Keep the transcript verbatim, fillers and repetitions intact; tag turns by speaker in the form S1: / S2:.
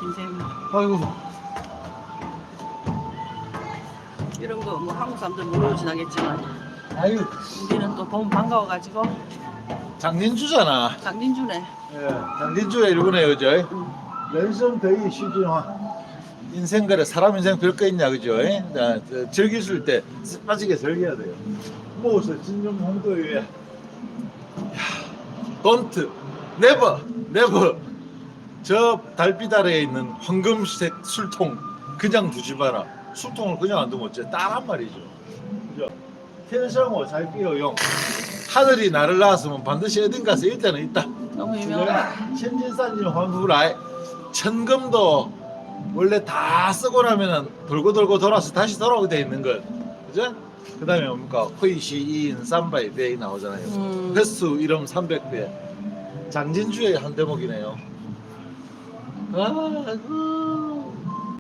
S1: 인생
S2: 아이고.
S1: 이런 거 뭐 한국 사람들 모르고 지나겠지만
S2: 아유.
S1: 우리는 또 보면 반가워가지고
S2: 장진주잖아.
S1: 장진주네.
S2: 예, 장진주가 일본에 그죠?
S1: 응.
S2: 랜선 거의 시즌화. 인생 그래 사람 인생 별거 있냐 그죠? 예? 자, 저, 즐기실 때 빠지게 즐겨야 돼요. 모서 진정 홍도에. 야, don't, never, never. 저 달빛 아래에 있는 황금색 술통 그냥 두지 마라. 술통을 그냥 안 두면 어째 따란 말이죠. 그죠?天生我才必有用. 하늘이 나를 낳았으면 반드시 어딘가서 일단은 있다.
S1: 너무 유명하다.
S2: 천진산진 환후라이. 천금도 원래 다 쓰고 나면은 돌고 돌고 돌아서 다시 돌아오게 돼 있는 것. 그죠? 그 다음에 뭡니까? 회시 이인 삼바이 배이 나오잖아요.
S1: 음.
S2: 횟수 이름 삼백 배. 장진주의 한 대목이네요. 아이고.